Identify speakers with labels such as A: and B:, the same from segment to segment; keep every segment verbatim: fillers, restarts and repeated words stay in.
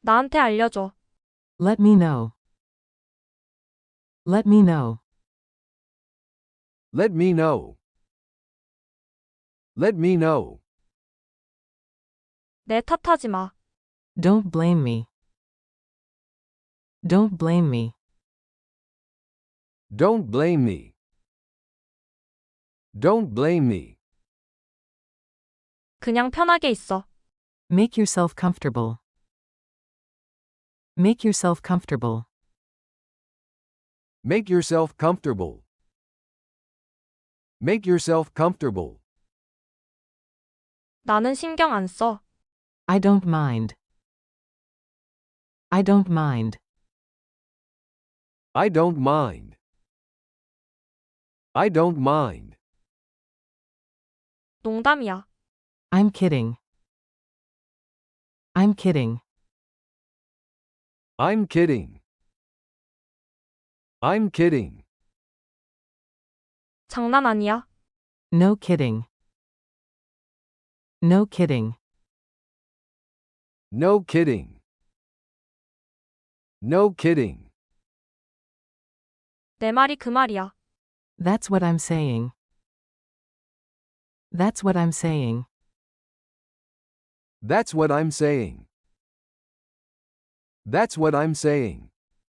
A: 나한테 알려줘.
B: Let me know. Let me know.
C: Let me know. Let me know.
A: 내 탓하지 마.
B: Don't blame me. Don't blame me.
C: Don't blame me. Don't blame me.
A: 그냥 편하게 있어.
B: Make yourself comfortable. Make yourself comfortable.
C: Make yourself comfortable. Make yourself comfortable.
A: 나는 신경 안 써.
B: I don't mind. I don't mind.
C: I don't mind. I don't mind.
A: 농담이야.
B: I'm kidding. I'm kidding.
C: I'm kidding. I'm kidding.
A: 장난 아니야.
B: No kidding. No kidding.
C: No kidding. No kidding.
A: 내 말이 그 말이야.
B: That's what I'm saying. That's what I'm saying.
C: That's what I'm saying. That's what I'm saying.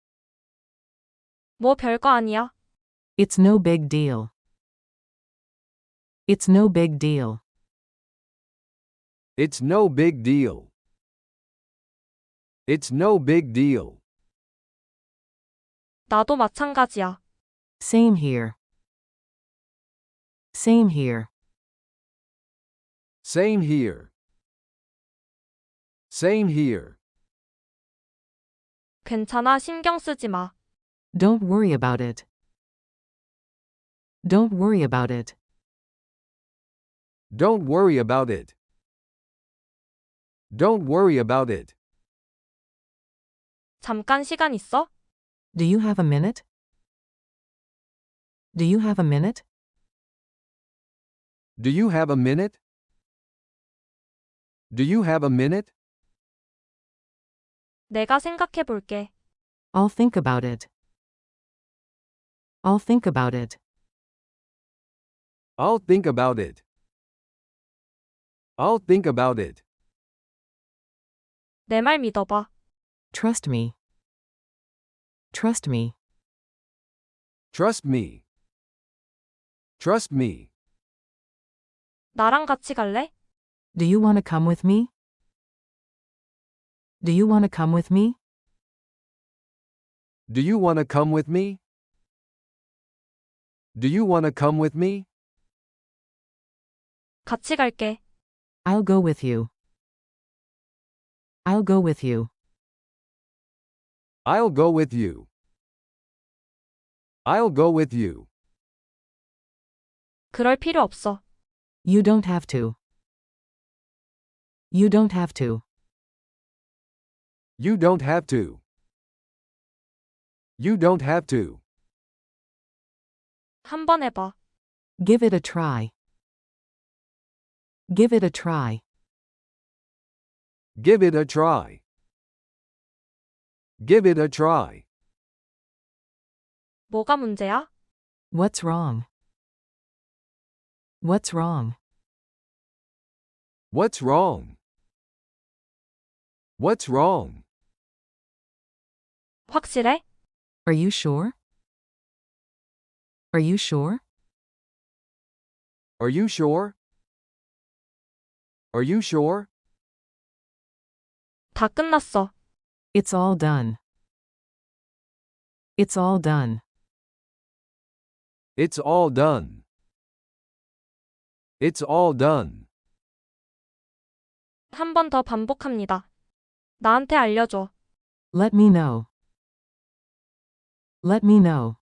A: 뭐 별거 아니야.
B: It's no big deal. It's no big deal.
C: It's no big deal. It's no big deal.
A: 나도 마찬가지야.
B: Same here. Same here.
C: Same here. Same here.
A: 괜찮아, 신경 쓰지 마.
B: Don't worry about it. Don't worry about it.
C: Don't worry about it. Don't worry about it.
A: 잠깐 시간 있어?
B: Do you have a minute? Do you have a minute?
C: Do you have a minute? Do you have a minute?
A: 내가 생각해 볼게.
B: I'll think about it. I'll think about it.
C: I'll think about it. I'll think about it.
A: 내 말 믿어봐.
B: Trust me. Trust me.
C: Trust me. Trust me.
A: 나랑 같이 갈래?
B: Do you want to come with me? Do you want to come with me?
C: Do you want to come with me? Do you want to come with me?
A: 같이 갈게.
B: I'll go with you. I'll go with you.
C: I'll go with you. I'll go with you.
A: 그럴 필요 없어.
B: You don't have to. You don't have to.
C: You don't have to. You don't have to.
A: 한번 해봐.
B: Give it a try. Give it a try.
C: Give it a try. Give it a try.
A: 뭐가 문제야?
B: What's wrong? What's wrong?
C: What's wrong? What's wrong?
A: 확실해?
B: Are you sure? Are you sure?
C: Are you sure? Are you sure?
A: 다 끝났어.
B: It's all done. It's all done.
C: It's all done. It's all done.
A: 한 번 더 반복합니다. 나한테 알려줘.
B: Let me know. Let me know.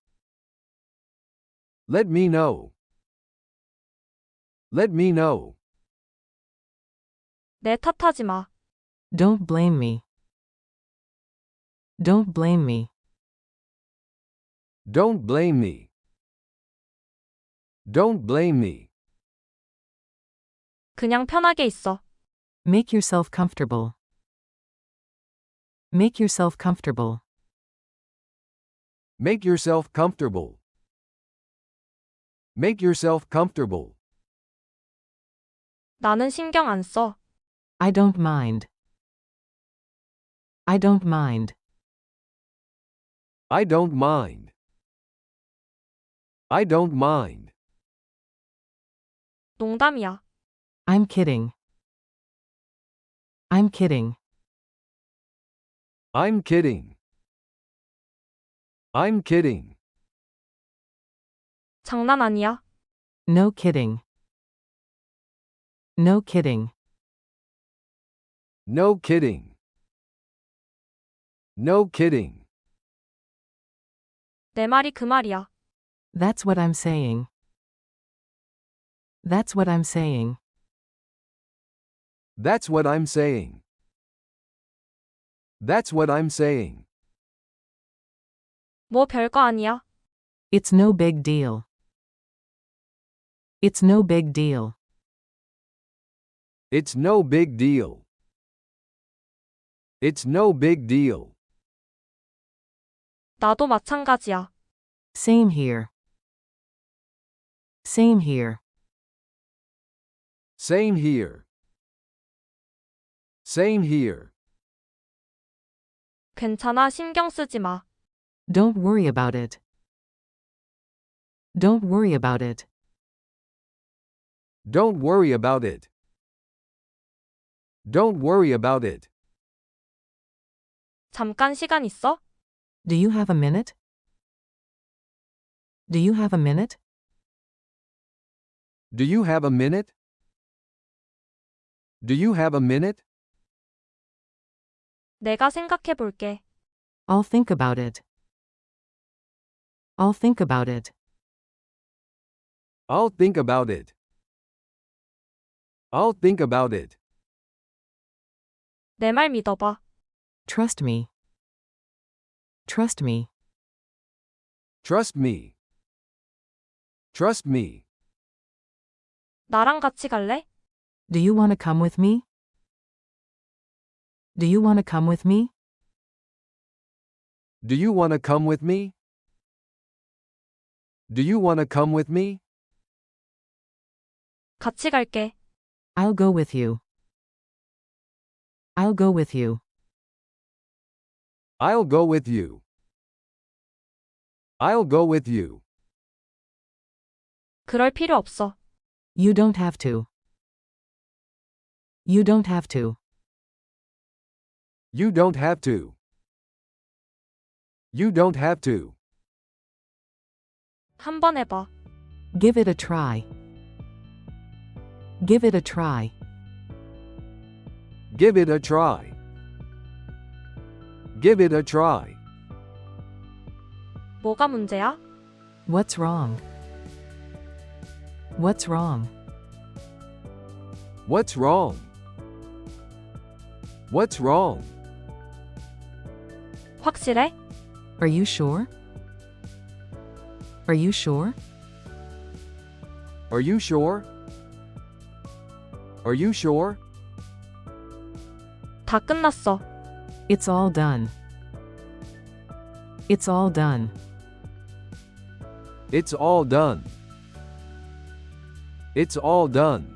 C: Let me know. Let me know.
A: 내 탓하지 마.
B: Don't blame me. Don't blame me.
C: Don't blame me. Don't blame me.
A: 그냥 편하게 있어.
B: Make yourself comfortable. Make yourself comfortable.
C: Make yourself comfortable. Make yourself comfortable.
A: 나는 신경 안 써.
B: I don't mind. I don't mind.
C: I don't mind. I don't mind.
A: 농담이야.
B: I'm kidding. I'm kidding.
C: I'm kidding. I'm kidding.
A: 장난 아니야.
B: No kidding. No kidding.
C: No kidding. No kidding.
A: 내 말이 그 말이야.
B: That's what I'm saying. That's what I'm saying.
C: That's what I'm saying. That's what I'm saying.
A: 뭐 별거 아니야.
B: It's no big deal. It's no big deal.
C: It's no big deal. It's no big deal.
A: 나도 마찬가지야.
B: Same here. Same here.
C: Same here. Same here.
A: 괜찮아, 신경 쓰지 마.
B: Don't worry about it. Don't worry about it.
C: Don't worry about it. Don't worry about it.
A: 잠깐 시간 있어?
B: Do you have a minute? Do you have a minute?
C: Do you have a minute? Do you have a minute?
A: 내가 생각해 볼게.
B: I'll think about it. I'll think about it.
C: I'll think about it. I'll think about it.
A: 내 말 믿어봐.
B: Trust me. Trust me.
C: Trust me. Trust me.
A: 나랑 같이 갈래?
B: Do you want to come with me? Do you want to come with me?
C: Do you want to come with me? Do you want to come with me?
A: 같이 갈게.
B: I'll go with you. I'll go with you.
C: I'll go with you. I'll go with you.
A: 그럴 필요 없어.
B: You don't have to. You don't have to.
C: You don't have to. You don't have to.
A: 한번 해봐.
B: Give it a try. Give it a try.
C: Give it a try. Give it a try.
A: 뭐가 문제야?
B: What's wrong? What's wrong?
C: What's wrong? What's wrong?
A: 확실해?
B: Are you sure? Are you sure?
C: Are you sure? Are you sure?
A: 다 끝났어.
B: It's all done. It's all done.
C: It's all done. It's all done.